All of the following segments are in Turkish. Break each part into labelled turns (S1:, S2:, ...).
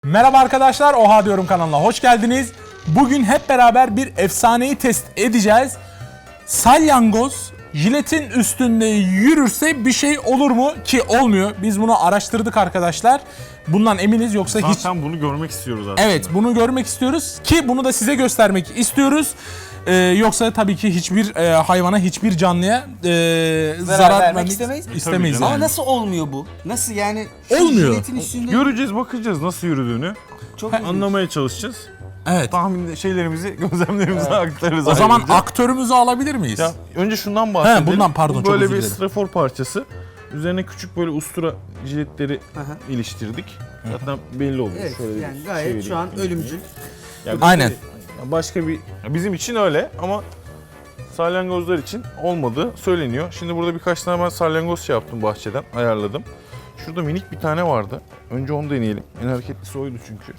S1: Merhaba arkadaşlar, Oha Diyorum kanalına hoş geldiniz. Bugün hep beraber bir efsaneyi test edeceğiz. Salyangoz jiletin üstünde yürürse bir şey olur mu? Ki olmuyor. Biz bunu araştırdık arkadaşlar. Bundan eminiz, yoksa hiç...
S2: Zaten bunu görmek istiyoruz aslında.
S1: Evet, bunu görmek istiyoruz ki bunu da size göstermek istiyoruz. Yoksa tabii ki hiçbir hayvana, hiçbir canlıya zarar vermek istemeyiz.
S2: Tabii
S3: Ama
S1: yani.
S3: nasıl olmuyor bu? Nasıl yani? Şu
S1: Olmuyor.
S3: jiletin üstünde
S2: Göreceğiz, bakacağız nasıl yürüdüğünü.
S3: çok ilginç.
S2: Anlamaya çalışacağız.
S1: Evet.
S2: Tahmin şeylerimizi, gözlemlerimizi aktarırız.
S1: O zaman
S2: ayrıca.
S1: aktörümüzü alabilir miyiz?
S2: Ya, önce şundan bahsedelim.
S1: bundan pardon,
S2: Bu
S1: çok
S2: böyle
S1: özür
S2: bir
S1: dilerim.
S2: strafor parçası. Üzerine küçük böyle ustura jiletleri
S3: Aha.
S2: iliştirdik. Zaten belli oluyor.
S3: Evet,
S2: Şöyle bir
S3: yani gayet
S2: çevireyim.
S3: şu an ölümcül.
S2: Yani
S1: Aynen.
S2: ya başka bir, bizim için öyle ama salyangozlar için olmadığı söyleniyor. Şimdi burada birkaç tane ben salyangoz şey yaptım bahçeden, ayarladım. Şurada minik bir tane vardı. Önce onu deneyelim. En hareketlisi oydu çünkü.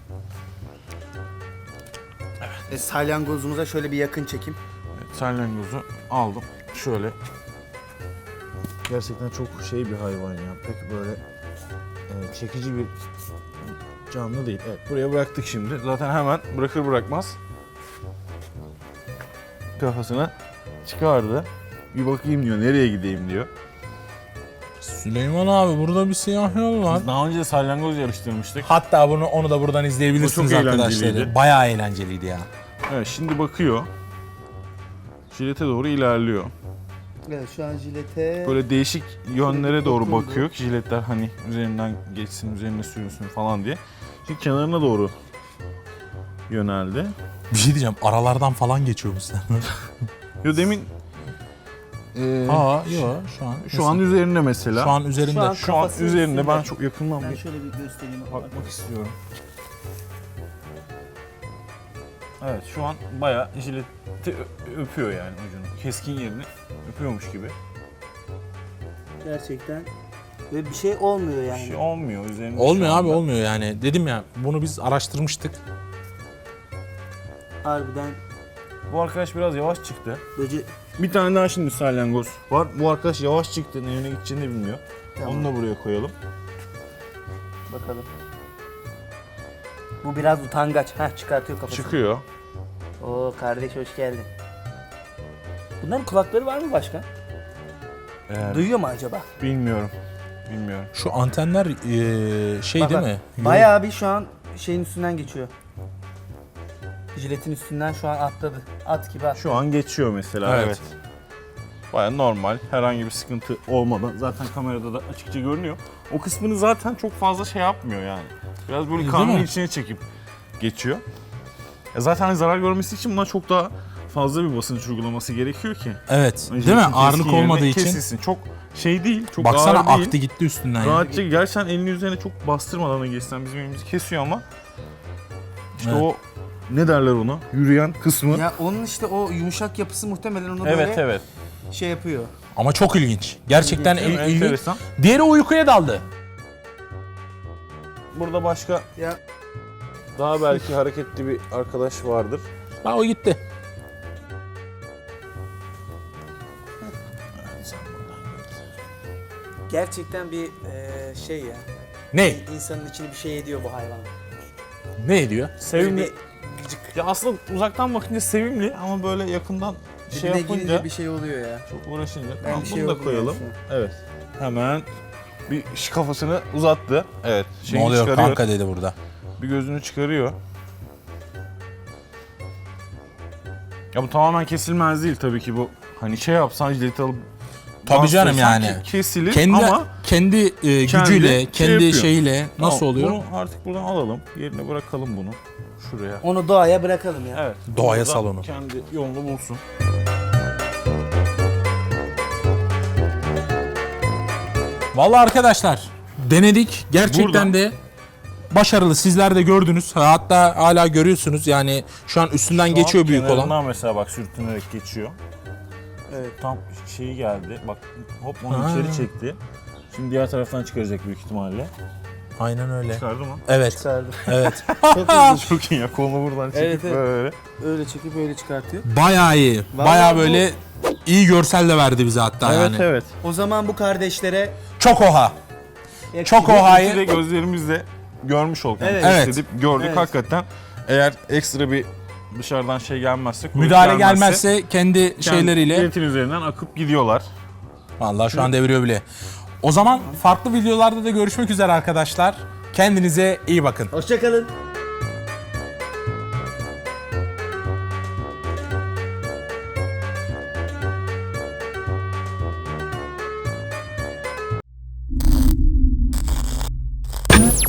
S3: Salyangozumuza şöyle bir yakın çekim.
S2: Evet, salyangozu aldım. Şöyle. Gerçekten çok şey bir hayvan ya. Pek böyle çekici bir canlı değil. Evet, buraya bıraktık şimdi. Zaten hemen bırakır bırakmaz kafasına çıkardı. Bir bakayım diyor, nereye gideyim diyor.
S1: Süleyman abi, burada bir siyah yol var.
S2: Biz daha önce de salyangoz yarıştırmıştık.
S1: Hatta onu da buradan izleyebilirsiniz
S2: O çok
S1: arkadaşlar.
S2: eğlenceliydi.
S1: Bayağı eğlenceliydi ya.
S2: Evet, şimdi bakıyor. Jilete doğru ilerliyor.
S3: Evet, şu an jilete...
S2: Böyle değişik yönlere doğru
S3: dokundu.
S2: bakıyor ki jiletler hani üzerinden geçsin, üzerine sürünsün falan diye. Şimdi kenarına doğru yöneldi.
S1: Bir şey diyeceğim, aralardan falan geçiyormuş sen.
S2: Yo demin
S1: Yok şu an.
S2: şu an üzerinde mesela.
S1: Şu an üzerinde.
S3: Şu an-
S2: Şu an
S3: kafası
S2: üzerinde.
S3: üstünde.
S2: Ben çok yakından
S3: Ben
S2: bir
S3: şöyle bir göstereyim.
S2: bakmak istiyorum. Evet, şu an bayağı jileti öpüyor yani ucunu. Keskin yerini öpüyormuş gibi.
S3: Gerçekten. Ve bir şey olmuyor
S2: Bir
S3: yani.
S2: şey olmuyor üzerinde.
S1: Olmuyor
S2: şu
S1: abi,
S2: anda.
S1: olmuyor yani. Dedim ya, bunu biz araştırmıştık.
S3: Harbiden
S2: Bu arkadaş biraz yavaş çıktı.
S3: böce...
S2: Bir tane daha şimdi salyangoz var. Bu arkadaş yavaş çıktı. Nereye gideceğini bilmiyor.
S3: Tamam.
S2: Onu da buraya koyalım.
S3: Bakalım. Bu biraz utangaç. Heh, çıkartıyor kafasını.
S2: Çıkıyor.
S3: Oo kardeş, hoş geldin. Bunların kulakları var mı başka? Duyuyor mu acaba?
S2: Bilmiyorum. Bilmiyorum.
S1: Şu antenler şey
S3: Bak,
S1: değil
S3: bak.
S1: mi?
S3: Bayağı bir şu an şeyin üstünden geçiyor. Jiletin üstünden şu an atladı. At gibi at.
S2: Şu an geçiyor mesela.
S1: Evet.
S2: Evet. Baya normal. Herhangi bir sıkıntı olmadan. Zaten kamerada da açıkça görünüyor. O kısmını zaten çok fazla şey yapmıyor yani. Biraz böyle
S1: Değil
S2: karnın
S1: mi?
S2: içine çekip geçiyor. Zaten hani zarar görmesi için buna çok daha fazla bir basınç uygulaması gerekiyor ki.
S1: Evet.
S2: Hani
S1: Değil mi?
S2: jiletin
S1: Ağırlık
S2: keskin yerine
S1: olmadığı için.
S2: kesilsin. Çok şey değil, çok
S1: Baksana,
S2: ağır değil.
S1: aktı gitti üstünden. ya.
S2: Rahatça gerçekten elini üzerine çok bastırmadan da geçsen bizim elimizi kesiyor ama işte
S1: Evet.
S2: o ne derler ona? Yürüyen kısmı.
S3: Ya onun işte o yumuşak yapısı muhtemelen onu
S2: Evet,
S3: böyle
S2: evet.
S3: şey yapıyor.
S1: Ama çok ilginç. Gerçekten
S2: Değil mi?
S1: ilginç.
S2: Enteresan.
S1: Diğeri uykuya daldı.
S2: Burada başka
S3: Ya
S2: daha belki hareketli bir arkadaş vardır.
S1: Ha, o gitti.
S3: gerçekten bir şey ya.
S1: Ne?
S3: İnsanın içini bir şey ediyor bu hayvan.
S1: Ne ediyor?
S2: Sevimli.
S3: Böyle bir gıcık.
S2: Ya aslında uzaktan bakınca sevimli ama böyle yakından şey
S3: Dibine
S2: yapınca
S3: girince bir şey oluyor ya.
S2: çok uğraşınca.
S3: Ben
S2: Tamam,
S3: bir şey
S2: bunu da
S3: oldum
S2: koyalım.
S3: yani
S2: Evet. Hemen bir kafasını uzattı. Evet.
S1: Ne
S2: Şeyini
S1: oluyor
S2: çıkarıyor.
S1: kanka dedi burada.
S2: Bir gözünü çıkarıyor. Ya bu tamamen kesilmez değil tabii ki bu. Hani şey yapsan jileti alıp
S1: Tabii canım
S2: bastırsan
S1: yani.
S2: kesilir
S1: Kendi
S2: ama
S1: gücüyle,
S2: şey
S1: kendi
S2: yapıyor.
S1: şeyiyle nasıl
S2: Tamam,
S1: oluyor?
S2: Bunu artık buradan alalım. Yerine bırakalım bunu. Şuraya.
S3: Onu doğaya bırakalım ya.
S2: Evet.
S1: Doğaya
S2: burada
S1: salonu.
S2: Kendi yolunu bulsun.
S1: Vallahi arkadaşlar, denedik. Gerçekten
S2: Burada.
S1: de başarılı. Sizler de gördünüz. Hatta hala görüyorsunuz. Yani şu an üstünden
S2: Şu
S1: geçiyor
S2: an
S1: büyük olan.
S2: kenarından mesela bak sürtünerek geçiyor.
S3: Evet.
S2: Tam şeyi geldi. Bak hop onu
S1: Ha.
S2: içeri çekti. Şimdi diğer taraftan çıkaracak büyük ihtimalle.
S1: Aynen öyle.
S2: Çıkardı mı?
S1: Evet.
S3: Çıkardı.
S1: Evet.
S3: Çok ilginç.
S2: Çok iyi ya, kolunu buradan çekip
S3: Evet, evet.
S2: böyle.
S3: Öyle çekip öyle çıkartıyor.
S1: Bayağı iyi.
S3: Vallahi
S1: Bayağı
S3: bu-
S1: böyle iyi görsel de verdi bize hatta yani.
S2: Evet.
S3: O zaman bu kardeşlere
S1: Çok oha. Çok
S2: Bir
S1: ohayı.
S2: de gözlerimizle görmüş olduk. Yani
S3: Evet.
S2: test
S1: Evet.
S2: edip gördük.
S3: Evet.
S2: Hakikaten eğer ekstra bir dışarıdan şey gelmezse, kuvvet
S1: Müdahale gelmezse kendi şeyleriyle.
S2: Jelatin üzerinden akıp gidiyorlar.
S1: Vallahi şu an deviriyor bile. O zaman farklı videolarda da görüşmek üzere arkadaşlar. Kendinize iyi bakın.
S3: Hoşçakalın.